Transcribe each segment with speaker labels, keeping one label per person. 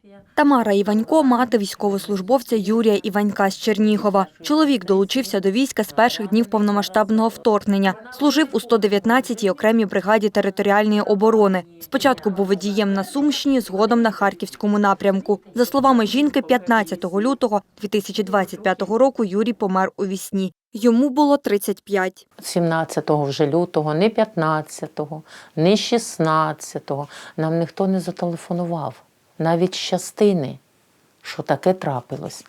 Speaker 1: Тамара Іванько – мати військовослужбовця Юрія Іванька з Чернігова. Чоловік долучився до війська з перших днів повномасштабного вторгнення. Служив у 119-й окремій бригаді територіальної оборони. Спочатку був водієм на Сумщині, згодом на Харківському напрямку. За словами жінки, 15 лютого 2025 року Юрій помер у вісні. Йому було 35.
Speaker 2: 17 вже лютого, не 15-го, не 16-го нам ніхто не зателефонував. Навіть з частини, що таке трапилось.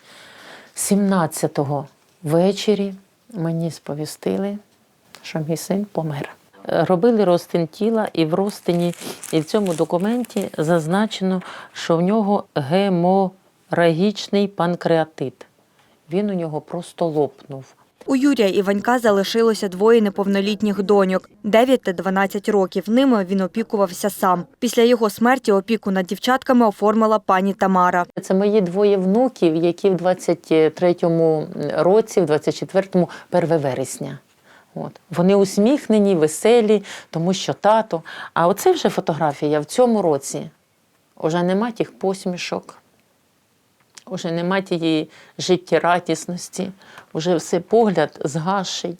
Speaker 2: 17-го ввечері мені сповістили, що мій син помер. Робили розтин тіла, і в розтині, і в цьому документі зазначено, що в нього геморагічний панкреатит. Він у нього просто лопнув.
Speaker 1: У Юрія Іванька залишилося двоє неповнолітніх доньок – 9 та 12 років. Ними він опікувався сам. Після його смерті опіку над дівчатками оформила пані Тамара.
Speaker 2: Це мої двоє внуків, які в 23-му році, в 24-му, 1 вересня. От. Вони усміхнені, веселі, тому що тато. А оце вже фотографія в цьому році. Уже нема тих посмішок. Уже нема тієї життєрадісності, уже все погляд згасший.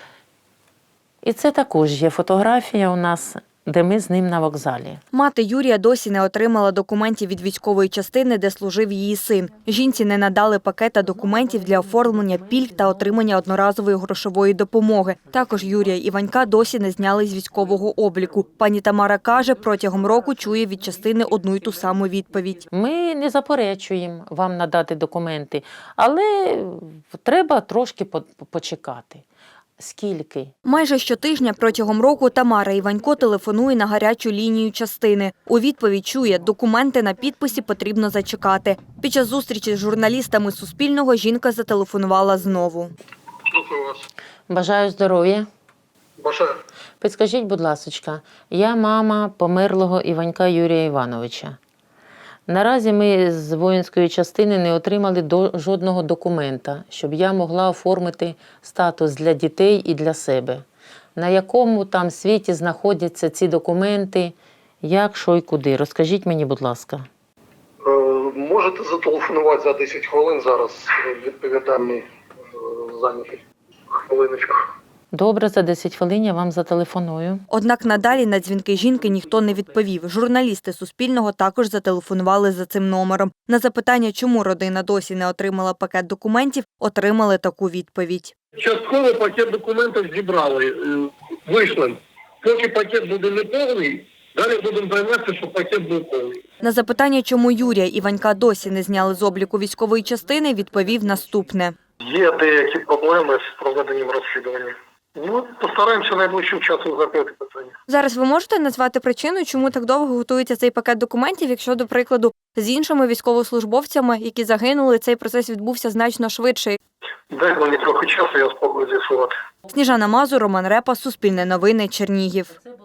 Speaker 2: І це також є фотографія у нас, де ми з ним на вокзалі.
Speaker 1: Мати Юрія досі не отримала документів від військової частини, де служив її син. Жінці не надали пакета документів для оформлення пільг та отримання одноразової грошової допомоги. Також Юрія Іванька досі не зняли з військового обліку. Пані Тамара каже, протягом року чує від частини одну й ту саму відповідь.
Speaker 2: Ми не заперечуємо вам надати документи, але треба трошки почекати. Скільки?
Speaker 1: Майже щотижня протягом року Тамара Іванько телефонує на гарячу лінію частини. У відповідь чує, документи на підписі потрібно зачекати. Під час зустрічі з журналістами Суспільного жінка зателефонувала знову.
Speaker 3: Слухаю вас.
Speaker 2: Бажаю здоров'я.
Speaker 3: Бажаю.
Speaker 2: Підскажіть, будь ласка, я мама померлого Іванька Юрія Івановича. Наразі ми з воїнської частини не отримали жодного документа, щоб я могла оформити статус для дітей і для себе. На якому там світі знаходяться ці документи, як, що і куди? Розкажіть мені, будь ласка.
Speaker 3: Можете зателефонувати за 10 хвилин, зараз відповідальний зайнятий. Хвилиночку.
Speaker 2: Добре, за 10 хвилин я вам зателефоную.
Speaker 1: Однак надалі на дзвінки жінки ніхто не відповів. Журналісти Суспільного також зателефонували за цим номером. На запитання, чому родина досі не отримала пакет документів, отримали таку відповідь.
Speaker 3: Частково пакет документів зібрали, вийшли. Поки пакет буде неповний, далі будемо займатися, щоб пакет був повний.
Speaker 1: На запитання, чому Юрія Іванька досі не зняли з обліку військової частини, відповів наступне.
Speaker 3: Є деякі проблеми з проведенням розслідування. Постараємося найближчим часом закрити питання.
Speaker 1: Зараз ви можете назвати причину, чому так довго готується цей пакет документів, якщо, до прикладу, з іншими військовослужбовцями, які загинули, цей процес відбувся значно швидше?
Speaker 3: Дайте мені трохи часу, я спробую з'ясувати.
Speaker 1: Сніжана Мазур, Роман Репа, Суспільне новини, Чернігів.